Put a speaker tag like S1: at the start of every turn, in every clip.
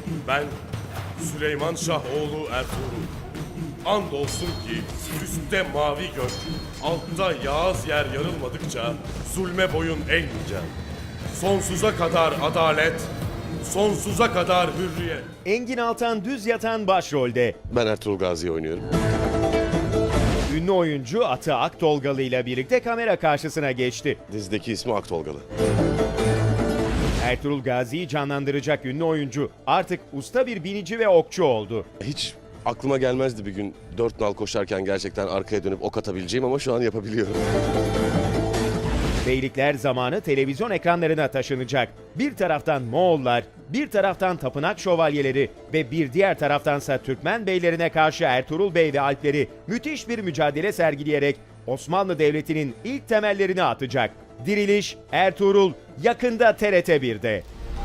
S1: Ben Süleyman Şahoğlu Ertuğrul. Andolsun ki üstte mavi gök, altta yağız yer yarılmadıkça zulme boyun eğmeyeceğim. Sonsuza kadar adalet, sonsuza kadar hürriyet.
S2: Engin Altan Düz Yatan başrolde.
S3: Ben Ertuğrul Gazi'yi oynuyorum.
S2: Ünlü oyuncu Atı Aktolgalı ile birlikte kamera karşısına geçti.
S3: Dizideki ismi Aktolgalı.
S2: Ertuğrul Gazi'yi canlandıracak ünlü oyuncu artık usta bir binici ve okçu oldu.
S3: Hiç aklıma gelmezdi bir gün 4 nal koşarken gerçekten arkaya dönüp ok atabileceğim ama şu an yapabiliyorum.
S2: Beylikler zamanı televizyon ekranlarına taşınacak. Bir taraftan Moğollar, bir taraftan tapınak şövalyeleri ve bir diğer taraftansa Türkmen beylerine karşı Ertuğrul Bey ve alpleri müthiş bir mücadele sergileyerek Osmanlı Devleti'nin ilk temellerini atacak. Diriliş Ertuğrul yakında TRT 1'de.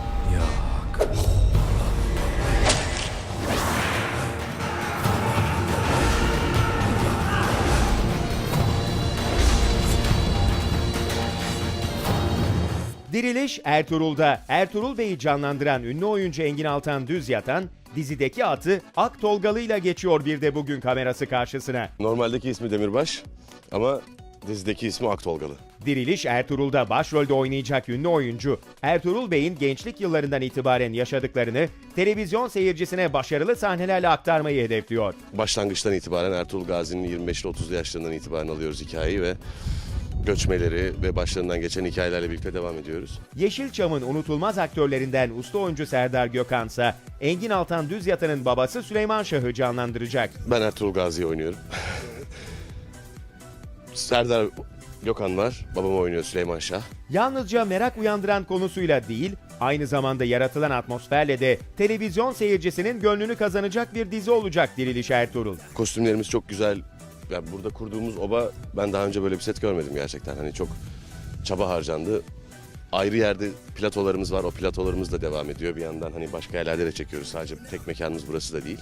S2: Diriliş Ertuğrul'da Ertuğrul Bey'i canlandıran ünlü oyuncu Engin Altan Düz Yatan, dizideki atı Aktolgalı ile geçiyor bir de bugün kamerası karşısına.
S3: Normaldeki ismi Demirbaş ama dizideki ismi Aktolgalı.
S2: Diriliş Ertuğrul'da başrolde oynayacak ünlü oyuncu, Ertuğrul Bey'in gençlik yıllarından itibaren yaşadıklarını televizyon seyircisine başarılı sahnelerle aktarmayı hedefliyor.
S3: Başlangıçtan itibaren Ertuğrul Gazi'nin 25 ile 30'lu yaşlarından itibaren alıyoruz hikayeyi ve göçmeleri ve başlarından geçen hikayelerle birlikte devam ediyoruz.
S2: Yeşilçam'ın unutulmaz aktörlerinden usta oyuncu Serdar Gökhan ise Engin Altan Düz Yatan'ın babası Süleyman Şah'ı canlandıracak.
S3: Ben Ertuğrul Gazi'yi oynuyorum. Serdar Gökhan var, babam oynuyor Süleyman Şah.
S2: Yalnızca merak uyandıran konusuyla değil, aynı zamanda yaratılan atmosferle de televizyon seyircisinin gönlünü kazanacak bir dizi olacak Diriliş Ertuğrul.
S3: Kostümlerimiz çok güzel. Yani burada kurduğumuz oba, ben daha önce böyle bir set görmedim gerçekten. Hani çok çaba harcandı. Ayrı yerde platolarımız var. O platolarımız da devam ediyor. Bir yandan hani başka yerlerde de çekiyoruz. Sadece tek mekanımız burası da değil.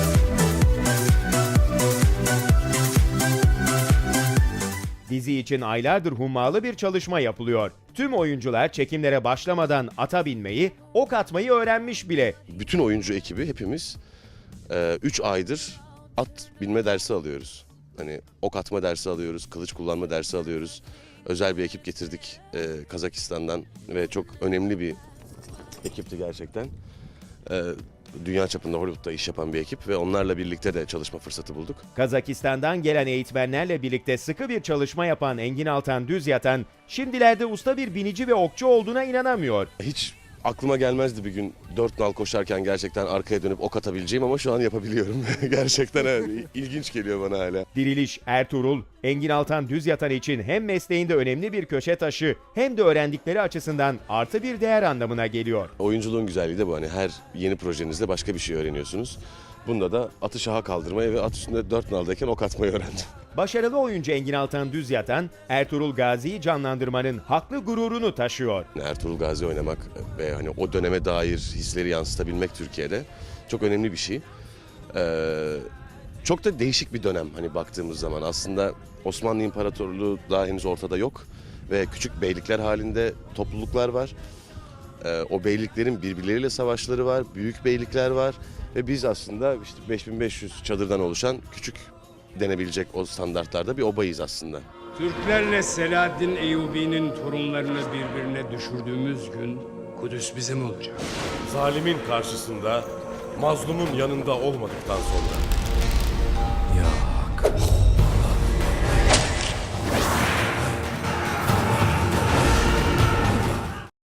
S2: Dizi için aylardır hummalı bir çalışma yapılıyor. Tüm oyuncular çekimlere başlamadan ata binmeyi, ok atmayı öğrenmiş bile.
S3: Bütün oyuncu ekibi hepimiz 3 aydır at binme dersi alıyoruz. Hani ok atma dersi alıyoruz, kılıç kullanma dersi alıyoruz. Özel bir ekip getirdik Kazakistan'dan ve çok önemli bir ekipti gerçekten. Dünya çapında Hollywood'da iş yapan bir ekip ve onlarla birlikte de çalışma fırsatı bulduk.
S2: Kazakistan'dan gelen eğitmenlerle birlikte sıkı bir çalışma yapan Engin Altan Düz Yatan, şimdilerde usta bir binici ve okçu olduğuna inanamıyor.
S3: Hiç aklıma gelmezdi bir gün 4 nal koşarken gerçekten arkaya dönüp ok atabileceğim ama şu an yapabiliyorum. Gerçekten evet, ilginç geliyor bana hala.
S2: Diriliş Ertuğrul, Engin Altan Düz Yatan için hem mesleğinde önemli bir köşe taşı hem de öğrendikleri açısından artı bir değer anlamına geliyor.
S3: Oyunculuğun güzelliği de bu, hani her yeni projenizde başka bir şey öğreniyorsunuz. Bunda da atı şaha kaldırmayı ve at üstünde 4 naldayken ok atmayı öğrendim.
S2: Başarılı oyuncu Engin Altan Düz Yatan, Ertuğrul Gazi'yi canlandırmanın haklı gururunu taşıyor.
S3: Ertuğrul Gazi oynamak ve hani o döneme dair hisleri yansıtabilmek Türkiye'de çok önemli bir şey. Çok da değişik bir dönem hani baktığımız zaman. Aslında Osmanlı İmparatorluğu daha henüz ortada yok ve küçük beylikler halinde topluluklar var. O beyliklerin birbirleriyle savaşları var, büyük beylikler var ve biz aslında işte 5500 çadırdan oluşan küçük denebilecek o standartlarda bir obayız aslında.
S4: Türklerle Selahaddin Eyyubi'nin torunlarını birbirine düşürdüğümüz gün Kudüs bizim olacak.
S1: Zalimin karşısında, mazlumun yanında olmadıktan sonra.
S5: Yok.